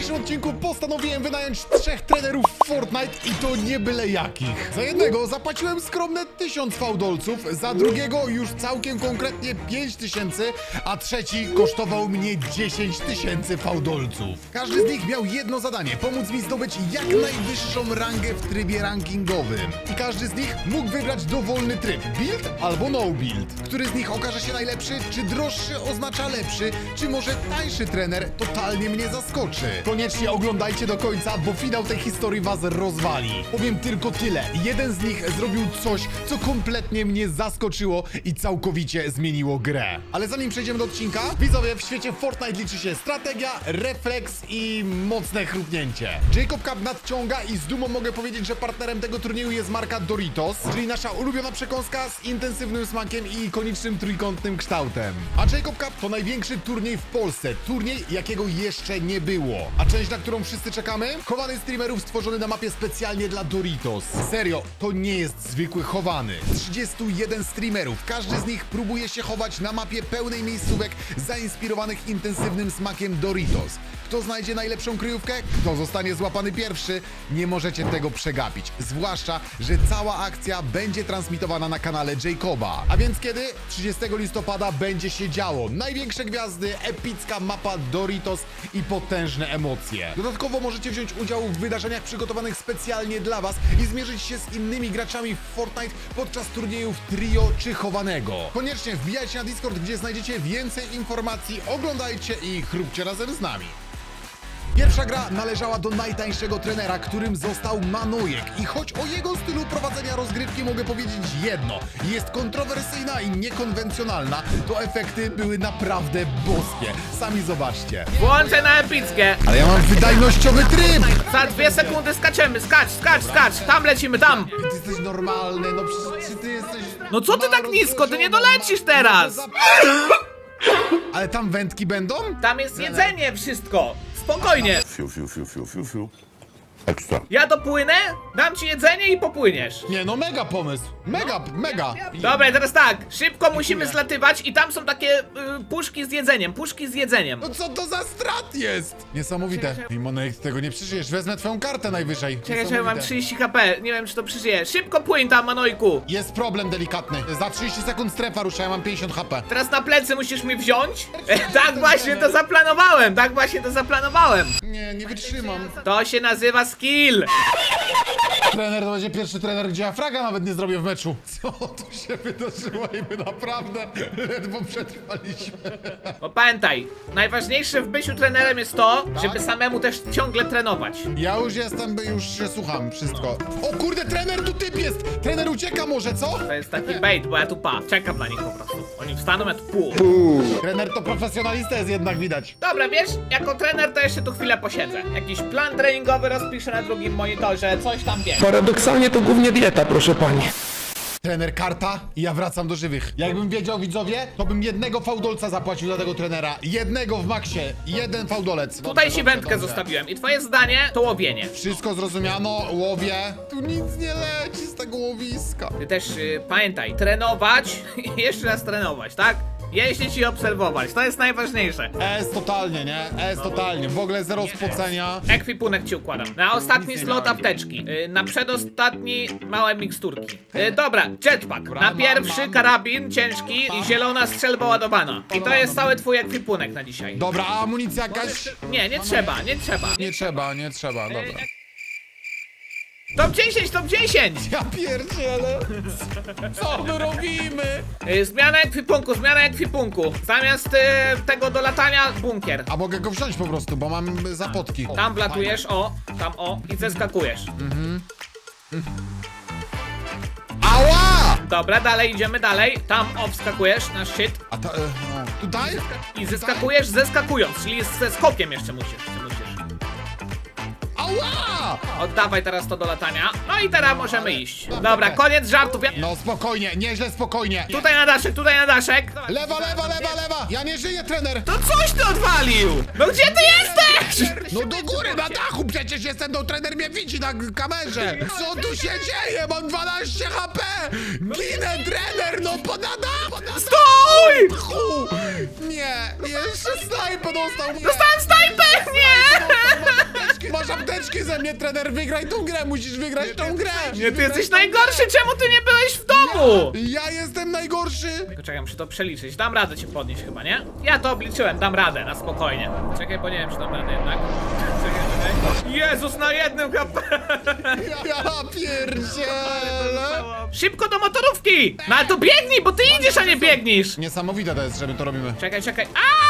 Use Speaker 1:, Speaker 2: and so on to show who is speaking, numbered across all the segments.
Speaker 1: dzisiejszym odcinku postanowiłem wynająć 3 trenerów Fortnite i to nie byle jakich. Za jednego zapłaciłem skromne 1000 fałdolców, za drugiego już całkiem konkretnie 5000, a trzeci kosztował mnie 10 000 fałdolców. Każdy z nich miał jedno zadanie, pomóc mi zdobyć jak najwyższą rangę w trybie rankingowym. I każdy z nich mógł wybrać dowolny tryb, build albo no build. Który z nich okaże się najlepszy, czy droższy oznacza lepszy, czy może tańszy trener totalnie mnie zaskoczy. Koniecznie oglądajcie do końca, bo finał tej historii was rozwali. Powiem tylko tyle, jeden z nich zrobił coś, co kompletnie mnie zaskoczyło i całkowicie zmieniło grę. Ale zanim przejdziemy do odcinka, widzowie, w świecie Fortnite liczy się strategia, refleks i mocne chrupnięcie. Jacob Cup nadciąga i z dumą mogę powiedzieć, że partnerem tego turnieju jest marka Doritos, czyli nasza ulubiona przekąska z intensywnym smakiem i ikonicznym trójkątnym kształtem. A Jacob Cup to największy turniej w Polsce, turniej jakiego jeszcze nie było. A część, na którą wszyscy czekamy? Chowany streamerów stworzony na mapie specjalnie dla Doritos. Serio, to nie jest zwykły chowany. 31 streamerów, każdy z nich próbuje się chować na mapie pełnej miejscówek zainspirowanych intensywnym smakiem Doritos. Kto znajdzie najlepszą kryjówkę? Kto zostanie złapany pierwszy? Nie możecie tego przegapić. Zwłaszcza, że cała akcja będzie transmitowana na kanale Jacoba. A więc kiedy? 30 listopada będzie się działo. Największe gwiazdy, epicka mapa Doritos i potężne emocje. Dodatkowo możecie wziąć udział w wydarzeniach przygotowanych specjalnie dla was i zmierzyć się z innymi graczami w Fortnite podczas turniejów trio czy chowanego. Koniecznie wbijajcie na Discord, gdzie znajdziecie więcej informacji, oglądajcie i chrupcie razem z nami. Pierwsza gra należała do najtańszego trenera, którym został Manojek. I choć o jego stylu prowadzenia rozgrywki mogę powiedzieć jedno, jest kontrowersyjna i niekonwencjonalna, to efekty były naprawdę boskie. Sami zobaczcie.
Speaker 2: Włączę na epickie.
Speaker 1: Ale ja mam wydajnościowy tryb!
Speaker 2: Za 2 sekundy skaczemy. Skacz. Tam lecimy, tam.
Speaker 1: Ty jesteś normalny, no przecież czy ty jesteś...
Speaker 2: No co ty tak nisko? Ty nie dolecisz teraz.
Speaker 1: Ale tam wędki będą?
Speaker 2: Tam jest jedzenie, wszystko. Spokojnie.
Speaker 3: Fiu. Ekstra.
Speaker 2: Ja dopłynę, dam ci jedzenie i popłyniesz.
Speaker 1: Nie, no mega pomysł. Mega.
Speaker 2: Dobra, i teraz tak. Szybko musimy zlatywać i tam są takie puszki z jedzeniem.
Speaker 1: No co to za strat jest? Niesamowite. I Monek, tego nie przeżyjesz. Wezmę twoją kartę najwyżej.
Speaker 2: Czekaj, mam
Speaker 1: Niesamowite.
Speaker 2: 30 HP. Nie wiem, czy to przeżyję. Szybko płyń tam, Manojku.
Speaker 1: Jest problem delikatny. Za 30 sekund strefa rusza, ja mam 50 HP.
Speaker 2: Teraz na plecy musisz mnie wziąć. Tak właśnie to zaplanowałem.
Speaker 1: Nie wytrzymam.
Speaker 2: To się nazywa skill.
Speaker 1: Trener to będzie pierwszy trener, gdzie ja fraga nawet nie zrobię w meczu. Co tu się wydarzyło i my naprawdę ledwo przetrwaliśmy.
Speaker 2: Bo pamiętaj, najważniejsze w byciu trenerem jest to, żeby samemu też ciągle trenować.
Speaker 1: Ja już jestem, już się słucham, wszystko. O kurde, trener tu typ jest! Trener ucieka może, co?
Speaker 2: To jest taki bait, bo ja tu czekam na nich po prostu. Oni wstaną, ja tu
Speaker 1: Trener to profesjonalista jest jednak widać.
Speaker 2: Dobra, wiesz, jako trener to jeszcze tu chwilę posiedzę. Jakiś plan treningowy rozpiszę na drugim monitorze, coś tam wiem.
Speaker 4: Paradoksalnie to głównie dieta, proszę pani.
Speaker 1: Trener karta i ja wracam do żywych. Jakbym wiedział, widzowie, to bym jednego fałdolca zapłacił za tego trenera. Jednego w maksie. Jeden fałdolec.
Speaker 2: Tutaj ci wędkę zostawiłem i twoje zdanie to łowienie.
Speaker 1: Wszystko zrozumiano, łowię. Tu nic nie leci z tego łowiska.
Speaker 2: Ty też pamiętaj, trenować i jeszcze raz trenować, tak? Jeździć i obserwować, to jest najważniejsze.
Speaker 1: Totalnie, nie? totalnie. W ogóle zero spocenia.
Speaker 2: Ekwipunek ci układam. Na ostatni slot apteczki. Na przedostatni małe miksturki. Dobra, jetpack. Na pierwszy karabin ciężki i zielona strzelba ładowana. I to jest cały twój ekwipunek na dzisiaj.
Speaker 1: Dobra, a amunicja jakaś?
Speaker 2: Nie trzeba.
Speaker 1: Nie trzeba, dobra.
Speaker 2: Top 10, top 10!
Speaker 1: Ja pierdzielę. Co my robimy?
Speaker 2: Zmiana ekwipunku. Zamiast tego do latania, bunkier.
Speaker 1: A mogę go wziąć po prostu, bo mam zapotki.
Speaker 2: Tam wlatujesz, tam i zeskakujesz.
Speaker 1: Ała!
Speaker 2: Dobra, idziemy dalej. Tam wskakujesz na szczyt
Speaker 1: A ta, no, tutaj?
Speaker 2: i zeskakujesz zeskakując, czyli ze skokiem jeszcze musisz.
Speaker 1: Ała!
Speaker 2: Oddawaj teraz to do latania. No i teraz możemy iść. Dobra, koniec żartów.
Speaker 1: No spokojnie, nieźle spokojnie.
Speaker 2: Tutaj na daszek.
Speaker 1: Lewa! Ja nie żyję, trener!
Speaker 2: To coś ty odwalił! No gdzie ty jesteś?
Speaker 1: No do góry, na dachu przecież jestem, no trener mnie widzi na kamerze. Co tu się dzieje? Mam 12 HP! Ginę, trener, no podada!
Speaker 2: Stój!
Speaker 1: Nie, jeszcze snajper dostał mnie!
Speaker 2: Dostałem snajper! Nie!
Speaker 1: Przeze mnie, trener, wygraj tą grę, musisz wygrać tą grę!
Speaker 2: Nie, ty jesteś najgorszy, czemu ty nie byłeś w domu?
Speaker 1: Ja jestem najgorszy!
Speaker 2: Tylko czekaj, muszę to przeliczyć. Dam radę cię podnieść chyba, nie? Ja to obliczyłem, dam radę, na spokojnie. Czekaj, bo nie wiem, czy dam radę jednak. Czekaj. Jezus, na jednym HP!
Speaker 1: Ja pierdzielę!
Speaker 2: Szybko do motorówki! No ale to biegnij, bo ty idziesz, a nie biegnisz!
Speaker 1: Niesamowite to jest, że my to robimy.
Speaker 2: Czekaj.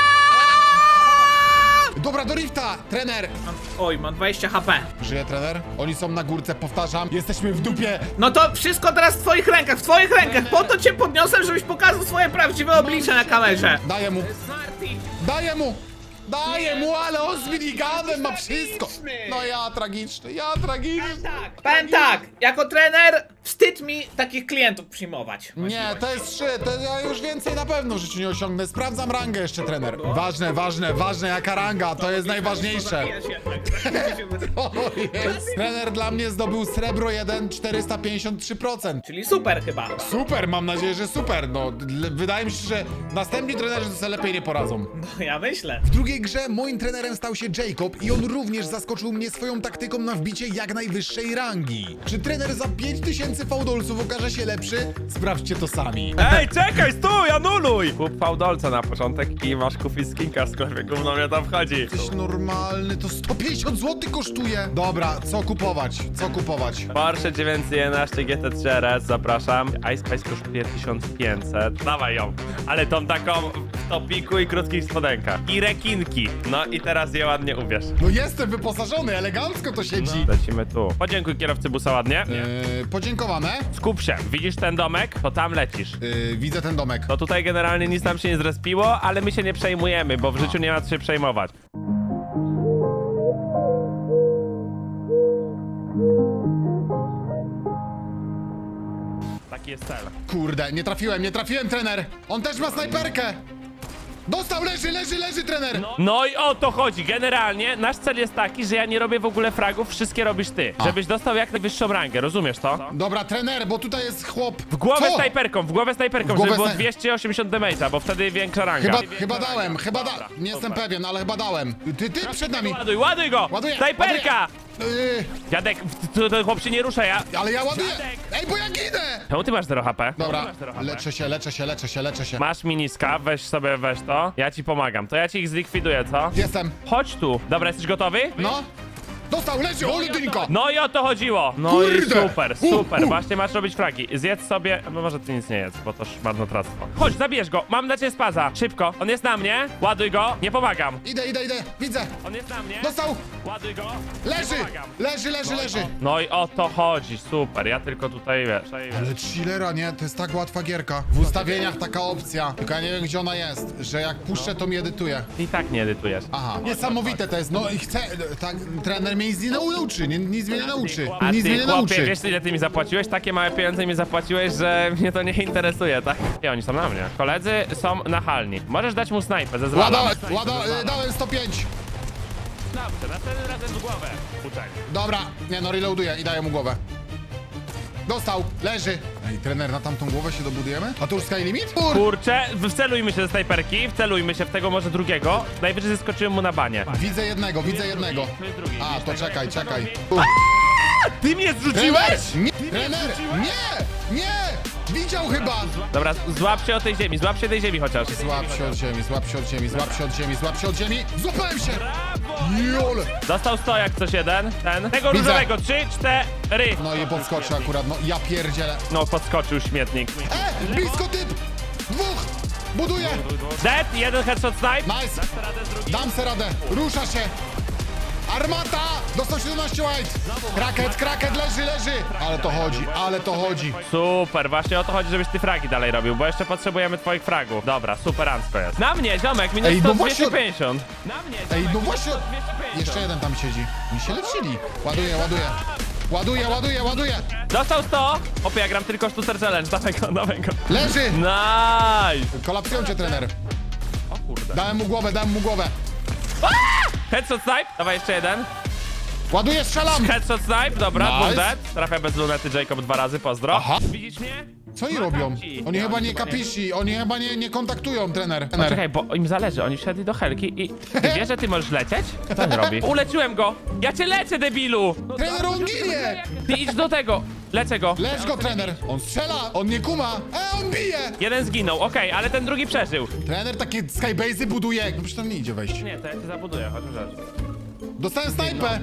Speaker 1: Dobra, do rifta, trener!
Speaker 2: Oj, mam 20 HP.
Speaker 1: Żyje trener? Oni są na górce, powtarzam. Jesteśmy w dupie.
Speaker 2: No to wszystko teraz w twoich rękach, Po to cię podniosłem, żebyś pokazał swoje prawdziwe oblicze na kamerze.
Speaker 1: Daję mu,
Speaker 2: Smarty.
Speaker 1: daję mu! Daję mu, ale on z miniganem ma wszystko! No ja tragiczny.
Speaker 2: Powiem tak, jako trener wstyd mi takich klientów przyjmować.
Speaker 1: Nie, to jest 3, to ja już więcej na pewno w życiu nie osiągnę. Sprawdzam rangę jeszcze, trener. Ważne, jaka ranga, to jest najważniejsze. O jest. Trener dla mnie zdobył srebro 1, 453%.
Speaker 2: Czyli super chyba.
Speaker 1: Super, mam nadzieję, że super. No, wydaje mi się, że następni trenerzy sobie lepiej nie poradzą.
Speaker 2: No ja myślę.
Speaker 1: W drugiej grze moim trenerem stał się Jacob i on również zaskoczył mnie swoją taktyką na wbicie jak najwyższej rangi. Czy trener za 5000 fałdolców okaże się lepszy? Sprawdźcie to sami.
Speaker 5: Ej, czekaj, stój, anuluj! Kup fałdolca na początek i masz kupić skinka w sklepie, gówno mnie tam wchodzi.
Speaker 1: Jesteś normalny, to 150 zł kosztuje. Dobra, co kupować?
Speaker 5: Porsche 911 GT3 RS, zapraszam. Ice Spice kosztuje 1500. Dawaj ją. Ale tą taką w topiku i krótkich spodenkach. I rekinki. No i teraz je ładnie ubierz.
Speaker 1: No jestem wyposażony, elegancko to siedzi.
Speaker 5: Lecimy tu. Podziękuj kierowcy busa ładnie.
Speaker 1: Podziękowane.
Speaker 5: Skup się. Widzisz ten domek? To tam lecisz.
Speaker 1: Widzę ten domek.
Speaker 5: To tutaj generalnie nic nam się nie zrespiło, ale my się nie przejmujemy, bo w życiu nie ma co się przejmować. Taki jest cel.
Speaker 1: Kurde, nie trafiłem, trener. On też ma snajperkę. Dostał, leży, trener.
Speaker 5: No i o to chodzi. Generalnie nasz cel jest taki, że ja nie robię w ogóle fragów, wszystkie robisz ty. Żebyś dostał jak najwyższą rangę, rozumiesz to?
Speaker 1: Dobra, trener, bo tutaj jest chłop.
Speaker 5: W głowę
Speaker 1: Co?
Speaker 5: snajperką,
Speaker 1: W głowę
Speaker 5: żeby było
Speaker 1: snaj-
Speaker 5: 280 damage'a, bo wtedy większa ranga.
Speaker 1: Chyba dałem,
Speaker 5: Dobra,
Speaker 1: nie jestem
Speaker 5: super.
Speaker 1: pewien, ale chyba dałem. Ty przed nami.
Speaker 5: Ładuj go!
Speaker 1: Ładuję,
Speaker 5: Snajperka!
Speaker 1: Yy,
Speaker 5: Dziadek, ten chłop się nie rusza, ja...
Speaker 1: ale ja ładuję.
Speaker 5: Dziadek!
Speaker 1: Ej, bo ja ginę.
Speaker 5: Czemu ty masz 0 HP?
Speaker 1: Dobra,
Speaker 5: Czemu masz 0 HP?
Speaker 1: leczę się.
Speaker 5: Masz miniska, weź to. Ja ci pomagam. To ja ci ich zlikwiduję, co?
Speaker 1: Jestem.
Speaker 5: Chodź tu. Dobra, jesteś gotowy?
Speaker 1: No. Dostał, leży, oludynko.
Speaker 5: No i o to chodziło. No i
Speaker 1: Kurde!
Speaker 5: super. Właśnie masz robić fragi. Zjedz sobie, no może ty nic nie jedz, bo to już marnotrawstwo. Chodź, zabierz go. Mam dla ciebie spaza. Szybko. On jest na mnie. Ładuj go. Nie pomagam.
Speaker 1: Idę, widzę.
Speaker 5: On jest na mnie.
Speaker 1: Dostał,
Speaker 5: Ładuj go.
Speaker 1: leży,
Speaker 5: Nie pomagam.
Speaker 1: leży.
Speaker 5: No i o to chodzi. Super. Ja tylko tutaj wiesz.
Speaker 1: Ale chillera, nie? To jest tak łatwa gierka. W ustawieniach taka opcja, tylko ja nie wiem, gdzie ona jest, że jak puszczę, to mi edytuje.
Speaker 5: I tak nie edytujesz.
Speaker 1: Aha, niesamowite to jest, no i chcę, tak, trener mnie nic nie nauczy, nic mnie nie nauczy,
Speaker 5: A
Speaker 1: nic
Speaker 5: ty,
Speaker 1: mnie nie
Speaker 5: chłopie,
Speaker 1: nauczy.
Speaker 5: wiesz ile ty mi zapłaciłeś? Takie małe pieniądze mi zapłaciłeś, że mnie to nie interesuje, tak? I oni są na mnie. Koledzy są nachalni. Możesz dać mu snajpę, zezwalam.
Speaker 1: Dałem 105.
Speaker 5: Dobrze, następnym razem w głowę. Uczek.
Speaker 1: Dobra, nie no, reloaduję i daję mu głowę. Dostał, leży. Ej, trener, na tamtą głowę się dobudujemy? A to już sky limit?
Speaker 5: Kurczę, wcelujmy się ze snajperki, wcelujmy się w tego może drugiego. Najwyżej zeskoczyłem mu na banie.
Speaker 1: Widzę jednego.
Speaker 5: To jest drugi.
Speaker 1: A,
Speaker 5: Widzisz
Speaker 1: to
Speaker 5: tego,
Speaker 1: czekaj.
Speaker 5: jak to robi? Ty mnie zrzuciłeś?
Speaker 1: Trener, nie! Widział chyba!
Speaker 5: Dobra, złap się tej ziemi chociaż.
Speaker 1: Złap się od ziemi. Złapałem się! Jole!
Speaker 5: Dostał 100 jak coś jeden. Tego
Speaker 1: Widzę.
Speaker 5: różowego, 3, 4.
Speaker 1: No i podskoczył akurat, no ja pierdzielę.
Speaker 5: No, podskoczył śmietnik.
Speaker 1: Blisko typ! Dwóch! Buduję!
Speaker 5: Dead, jeden headshot snipe.
Speaker 1: Nice! Dam se radę! Rusza się! Armata! Dostał 17 white! Kraket, leży! Ale to chodzi.
Speaker 5: Super, właśnie o to chodzi, żebyś ty fragi dalej robił, bo jeszcze potrzebujemy twoich fragów. Dobra, superancko jest. Na mnie, ziomek, minus
Speaker 1: Ej,
Speaker 5: 100,
Speaker 1: no właśnie-
Speaker 5: 250. Na mnie,
Speaker 1: Ej,
Speaker 5: ziomek,
Speaker 1: no właśnie...
Speaker 5: 250.
Speaker 1: Jeszcze jeden tam siedzi. Mi się lecili. Ładuję.
Speaker 5: Dostał 100. Opie, ja gram tylko sztucer challenge, dawaj go.
Speaker 1: Leży!
Speaker 5: Nice.
Speaker 1: Kolapsują cię, trener.
Speaker 5: O kurde.
Speaker 1: Dałem mu głowę.
Speaker 5: Headshot snipe, dawaj jeszcze jeden.
Speaker 1: Ładuję, strzelam!
Speaker 5: Headshot snipe, dobra,
Speaker 1: Nice.
Speaker 5: dwóch dead. Trafia bez lunety Jacob 2 razy, pozdro.
Speaker 1: Aha.
Speaker 5: Widzisz mnie?
Speaker 1: Co oni robią?
Speaker 5: Makaci.
Speaker 1: Oni
Speaker 5: Nie,
Speaker 1: chyba
Speaker 5: oni
Speaker 1: nie
Speaker 5: chyba nie.
Speaker 1: kapiszy, oni chyba nie kontaktują, trener.
Speaker 5: Poczekaj, bo im zależy, oni wsiadli do helki i... Ty wiesz, że ty możesz lecieć? Co on robi? Uleczyłem go! Ja cię leczę, debilu! No,
Speaker 1: Trener, on ginie!
Speaker 5: Ty idź do tego! Lecę go!
Speaker 1: Lecz go, trener! On strzela, on nie kuma! On bije!
Speaker 5: Jeden zginął, okej, ale ten drugi przeżył.
Speaker 1: Trener takie skybase'y buduje, no przecież tam nie idzie wejść.
Speaker 5: Nie, to ja cię zabuduję, chociaż rzecz.
Speaker 1: Dostałem snajpę!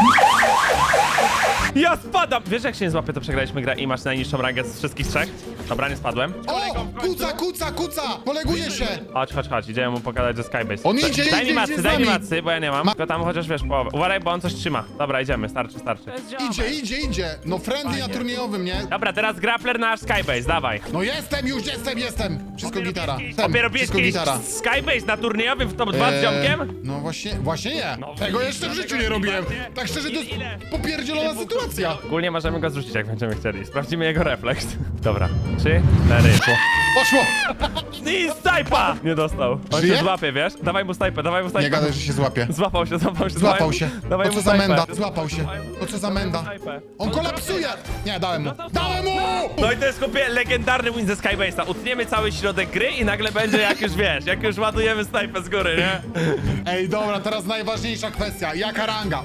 Speaker 5: Ja spadam! Wiesz, jak się nie złapie, to przegraliśmy grę i masz najniższą rangę z wszystkich trzech? Dobra, nie spadłem.
Speaker 1: O! Kuca! Poleguje się!
Speaker 5: Chodź, idziemy mu pokazać, że Skybase.
Speaker 1: On idzie,
Speaker 5: Daj
Speaker 1: idzie
Speaker 5: mi macy,
Speaker 1: z
Speaker 5: daj mi
Speaker 1: nami.
Speaker 5: macy, bo ja nie mam. Tylko tam chociaż wiesz połowę. Uważaj, bo on coś trzyma. Dobra, idziemy, starczy.
Speaker 1: Idzie! No friendly na turniejowym, nie?
Speaker 5: Dobra, teraz grappler na nasz Skybase, dawaj.
Speaker 1: No jestem! Wszystko gitara.
Speaker 5: Obie robisz
Speaker 1: Wszystko
Speaker 5: kiedyś
Speaker 1: gitara.
Speaker 5: Skybase na turniejowym w top 2 z ziomkiem?
Speaker 1: No właśnie nie.
Speaker 5: No,
Speaker 1: Tego jeszcze w życiu nie robiłem. Tak szczerze, to jest popierdzielona sytuacja.
Speaker 5: Ogólnie możemy go zrzucić, jak będziemy chcieli. Sprawdzimy jego refleks. Dobra, 3, 4.
Speaker 1: Poszło!
Speaker 5: I snajpa! Nie dostał. On
Speaker 1: Żyje?
Speaker 5: się złapie, wiesz? Dawaj mu snajpę.
Speaker 1: Nie gadaj, że się złapie.
Speaker 5: Złapał się.
Speaker 1: Złapał się.
Speaker 5: Dawaj
Speaker 1: O co
Speaker 5: mu
Speaker 1: za
Speaker 5: snajpę.
Speaker 1: menda? Złapał się. O co za menda?
Speaker 5: Snajpę.
Speaker 1: On kolapsuje! Nie, dałem mu. Dałem mu!
Speaker 5: No i to jest kopie legendarny win ze Skybase'a. Utniemy cały środek gry i nagle będzie jak już wiesz, jak już ładujemy snajpę z góry, nie?
Speaker 1: Ej, dobra, teraz najważniejsza kwestia. Jaka ranga?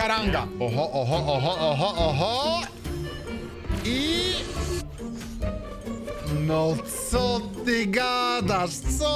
Speaker 1: Oho. I... No co ty gadasz?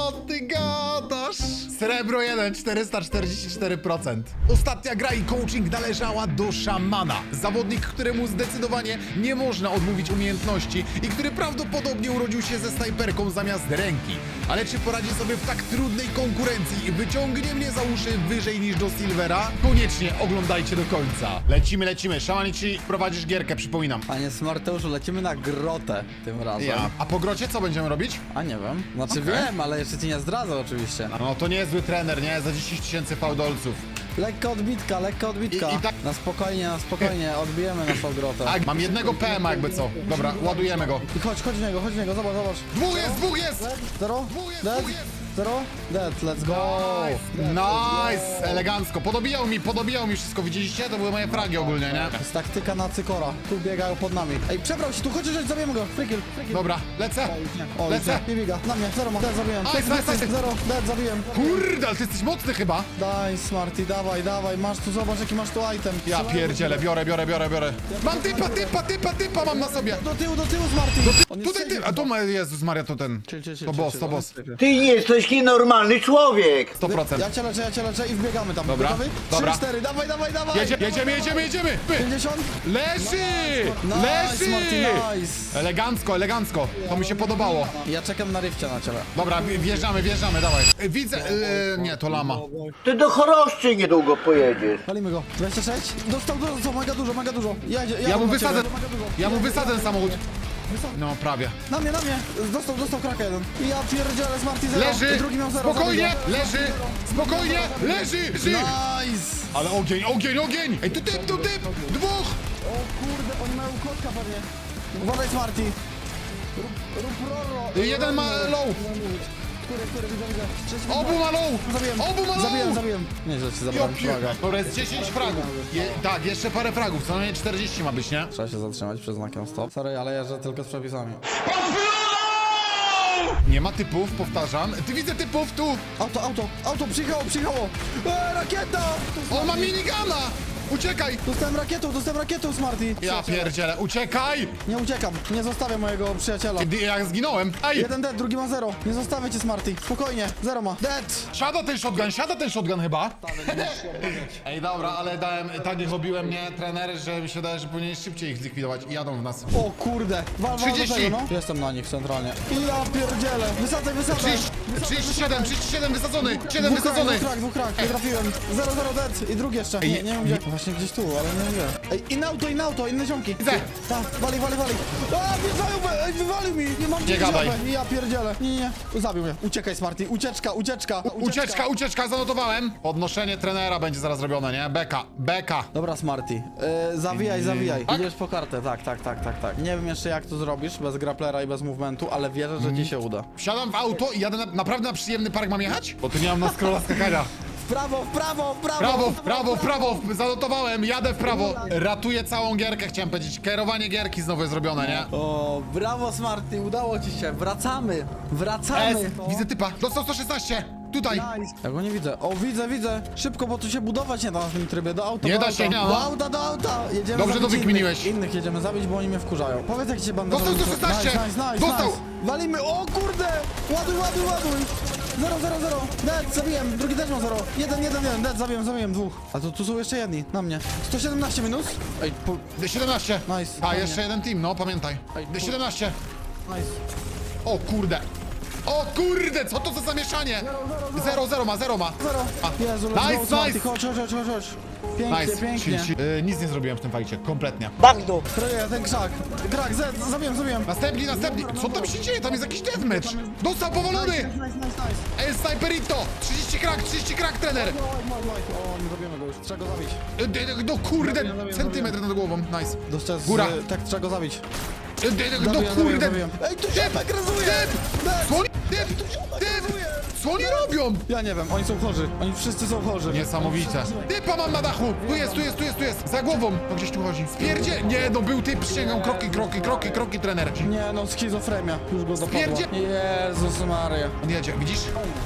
Speaker 1: Srebro 1, 444%. Ostatnia gra i coaching należała do szamana. Zawodnik, któremu zdecydowanie nie można odmówić umiejętności i który prawdopodobnie urodził się ze snajperką zamiast ręki. Ale czy poradzi sobie w tak trudnej konkurencji i wyciągnie mnie za uszy wyżej niż do Silvera? Koniecznie oglądajcie do końca. Lecimy. Szamanici, prowadzisz gierkę, przypominam.
Speaker 6: Panie Smarteuszu, lecimy na grotę tym razem.
Speaker 1: A po grocie co będziemy robić?
Speaker 6: A nie wiem. Znaczy
Speaker 1: Okej.
Speaker 6: wiem, ale jeszcze ci nie zdradzę oczywiście.
Speaker 1: No to niezły trener, nie? Za 10 000 fałdolców.
Speaker 6: Lekka odbitka.
Speaker 1: I tak-
Speaker 6: Na spokojnie, odbijemy naszą grotę.
Speaker 1: A, mam jednego PM-a jakby co. Dobra, ładujemy go.
Speaker 6: I chodź w niego, zobacz.
Speaker 1: Dwóch jest!
Speaker 6: Zero,
Speaker 1: Dwóch jest,
Speaker 6: dead,
Speaker 1: dwóch jest.
Speaker 6: zero, dead, let's go.
Speaker 1: Nice! Elegancko. Podobijało mi wszystko, widzieliście? To były moje fragi ogólnie, nie?
Speaker 6: To jest taktyka na cykora. Tu biegają pod nami. Ej, przebrał się tu, chodź, zabijemy go. Free kill.
Speaker 1: Dobra, lecę.
Speaker 6: O,
Speaker 1: Lecę.
Speaker 6: nie biega. Na mnie, zero ma, dead, zabiłem.
Speaker 1: Nice.
Speaker 6: Zero, dead, zabiłem.
Speaker 1: Kurde, ale ty jesteś mocny chyba.
Speaker 6: Daj, Smarty, dawaj, masz tu, zobacz jaki masz tu item.
Speaker 1: Ja
Speaker 6: Trzymaj
Speaker 1: pierdzielę, biorę. Mam typa mam na sobie.
Speaker 6: Do tyłu, Smarty. On jest
Speaker 1: Tutaj ty, a to ma, Jezus Maria, to ten. To boss.
Speaker 7: Ty jesteś nienormalny człowiek!
Speaker 1: 100%.
Speaker 6: Ja cię leczę i wbiegamy tam.
Speaker 1: Dobra,
Speaker 6: Gotowy?
Speaker 1: dobra.
Speaker 6: 3-4, dawaj.
Speaker 1: Jedziemy. Py.
Speaker 6: 50.
Speaker 1: Leży!
Speaker 6: Nice, Marty, nice.
Speaker 1: Elegancko. To mi się podobało.
Speaker 6: Ja czekam na rifcia na ciele.
Speaker 1: Dobra, wjeżdżamy, dawaj. Widzę, nie, to lama.
Speaker 7: Ty do Choroszczy niedługo pojedziesz.
Speaker 6: Palimy go. 26. Dostał mega dużo.
Speaker 1: Ja mu wysadzę samochód. No, prawie.
Speaker 6: Na mnie. Dostał kraka jeden. Ja pierdzielę, Smarty 0.
Speaker 1: Leży!
Speaker 6: Drugi miał 0.
Speaker 1: Spokojnie! Leży!
Speaker 6: Nice.
Speaker 1: Ale ogień! Ej, tu typ! Dwóch!
Speaker 6: O kurde, oni mają kotka pewnie. Uważaj, Smarty. Rób roro.
Speaker 1: Jeden ma low!
Speaker 6: Który, widzę.
Speaker 1: Obu ma low!
Speaker 6: Zabiłem. Nie, że ci
Speaker 1: Ja
Speaker 6: zabrałem flaga.
Speaker 1: Dobra, jest 10 fragów. Tak, jeszcze parę fragów, co najmniej 40 ma być, nie?
Speaker 6: Trzeba się zatrzymać przed znakiem stop. Sorry, ale jeżdżę tylko z przepisami.
Speaker 1: Nie ma typów, powtarzam. Ty widzę typów tu!
Speaker 6: Auto, przyjechało! Rakieta!
Speaker 1: O, ma minigana! Uciekaj!
Speaker 6: Dostałem rakietą, Smarty!
Speaker 1: Ja pierdzielę, uciekaj!
Speaker 6: Nie uciekam, nie zostawię mojego przyjaciela.
Speaker 1: Ja zginąłem. Ej!
Speaker 6: Jeden dead, drugi ma 0. Nie zostawię cię, Smarty. Spokojnie, 0 ma. Dead!
Speaker 1: Siada ten shotgun chyba. Ej, dobra, ale tak ich obiłem mnie, trener, że mi się wydaje, że powinien szybciej ich zlikwidować i jadą w nas.
Speaker 6: O kurde, wal do
Speaker 1: 30.
Speaker 6: tego, no. Jestem na nich centralnie. Ja pierdzielę, wysadzaj.
Speaker 1: 37 wysadzony! 7 wysadzony!
Speaker 6: Dwóch krak, nie trafiłem. 0 dead i drugi jeszcze. Nie wiem gdzie. Właśnie gdzieś tu, ale nie wiem gdzie. Ej, inne auto, inne ziomki.
Speaker 1: Widzę.
Speaker 6: Tak, wali. A, wjeżdżają, ej, wywalił mi. Nie mam gdzie
Speaker 1: gadaj.
Speaker 6: iść. Ja pierdzielę. Nie. Zabił mnie. Uciekaj, Smarty, ucieczka.
Speaker 1: Ucieczka, zanotowałem. Podnoszenie trenera będzie zaraz robione, nie? Beka.
Speaker 6: Dobra, Smarty, zawijaj. Idziesz po kartę, tak. Nie wiem jeszcze jak to zrobisz, bez grapplera i bez movementu, ale wierzę, że ci się uda.
Speaker 1: Wsiadam w auto i jadę naprawdę na przyjemny park mam jechać? Bo tu nie mam na scrolla skakania.
Speaker 6: prawo, w prawo, w prawo!
Speaker 1: Prawo, w prawo, w prawo, zanotowałem, jadę w prawo. Ratuję całą gierkę, chciałem powiedzieć. Kierowanie gierki znowu jest zrobione, nie?
Speaker 6: O, brawo Smarty, udało ci się, wracamy, wracamy!
Speaker 1: Widzę typa, dostał 116, tutaj.
Speaker 6: Ja go nie widzę. O, widzę. Szybko, bo tu się budować nie da na tym trybie. Do auta,
Speaker 1: Nie
Speaker 6: do
Speaker 1: da
Speaker 6: auta.
Speaker 1: się, nie da.
Speaker 6: Do auta, do auta! Jedziemy
Speaker 1: Dobrze
Speaker 6: zabić
Speaker 1: to wykminiłeś.
Speaker 6: Innych jedziemy zabić, bo oni mnie wkurzają. Powiedz, jak ci się bandażowi...
Speaker 1: Dostał 116. Dostał.
Speaker 6: Walimy, o kurde! Ładuj! 0. Dead, zabiłem, drugi też ma 0. 1, dead, zabiłem dwóch. A tu są jeszcze jedni, na mnie. 117 minus? Ej,
Speaker 1: D17.
Speaker 6: Nice.
Speaker 1: A,
Speaker 6: Fajnie.
Speaker 1: jeszcze jeden team, no pamiętaj.
Speaker 6: Ej,
Speaker 1: D17.
Speaker 6: nice.
Speaker 1: O kurde. O kurde, co to za zamieszanie? 0 ma.
Speaker 6: 0.
Speaker 1: A.
Speaker 6: Jezu, let's go,
Speaker 1: Nice,
Speaker 6: Smarty,
Speaker 1: nice.
Speaker 6: chodź. Pięknie,
Speaker 1: Nice.
Speaker 6: pięknie.
Speaker 1: Nic nie zrobiłem w tym fajcie, kompletnie.
Speaker 6: Troje, ten krzak. Krak, zabiłem.
Speaker 1: Następni. Co tam się dzieje? Tam jest jakiś deathmatch. Dostał powalony.
Speaker 6: Nice.
Speaker 1: El Sniperito. 30 krak, trener.
Speaker 6: O, nie robimy go już, trzeba go zabić.
Speaker 1: No kurde,
Speaker 6: Zabiłem.
Speaker 1: centymetr nad głową, nice.
Speaker 6: Dostać
Speaker 1: Góra.
Speaker 6: Tak, trzeba go zabić.
Speaker 1: No kurde.
Speaker 6: Zabiłem. Ej, tu się
Speaker 1: Typ,
Speaker 6: agresuje!
Speaker 1: typ. Co oni, co oni robią?
Speaker 6: Ja nie wiem, oni są chorzy. Oni wszyscy są chorzy.
Speaker 1: Niesamowite. Typa mam na dachu. Tu jest. Za głową. No gdzieś tu chodzi. Spierdzie. Nie, no był typ, przysięgam. Kroki, trener.
Speaker 6: Nie no, schizofrenia. Już go dopadła.
Speaker 1: Spierdzie-
Speaker 6: Jezus Maria.
Speaker 1: On jedzie, widzisz?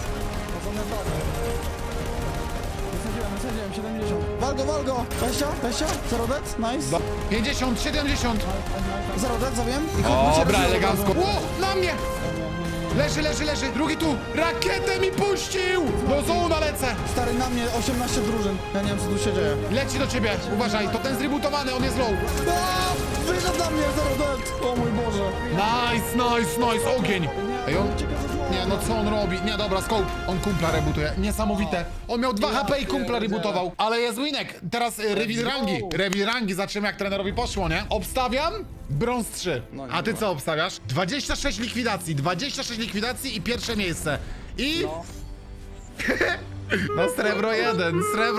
Speaker 6: Wysadziłem, 70. Wal go! 20? 0 dead? Nice.
Speaker 1: 50, 70.
Speaker 6: 0 dead, zabiłem. I
Speaker 1: Dobra, elegancko. Ło, na mnie. Leży. Drugi tu. Rakietę mi puścił. Do zona lecę.
Speaker 6: Stary, na mnie 18 drużyn. Ja nie wiem, co tu się dzieje.
Speaker 1: Leci do ciebie. Uważaj, to ten zrebootowany, on jest low.
Speaker 6: Wyszedł na mnie, 0 dead. O mój Boże.
Speaker 1: Nice. Ogień. Ej, on... Nie, no co on robi? Nie, dobra, scope. On kumpla rebootuje. Niesamowite. On miał 2 HP i kumpla rebootował. Ale jest winek. Teraz reveal rangi. Zobaczymy, jak trenerowi poszło, nie? Obstawiam brąz 3. A ty co obstawiasz? 26 likwidacji i pierwsze miejsce. I... No srebro 1,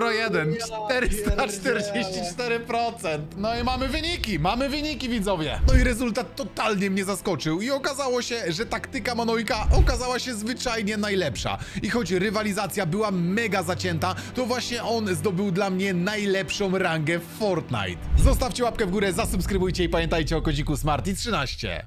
Speaker 1: 444%. No i mamy wyniki widzowie. No i rezultat totalnie mnie zaskoczył i okazało się, że taktyka Manojka okazała się zwyczajnie najlepsza. I choć rywalizacja była mega zacięta, to właśnie on zdobył dla mnie najlepszą rangę w Fortnite. Zostawcie łapkę w górę, zasubskrybujcie i pamiętajcie o kodziku Smarty13.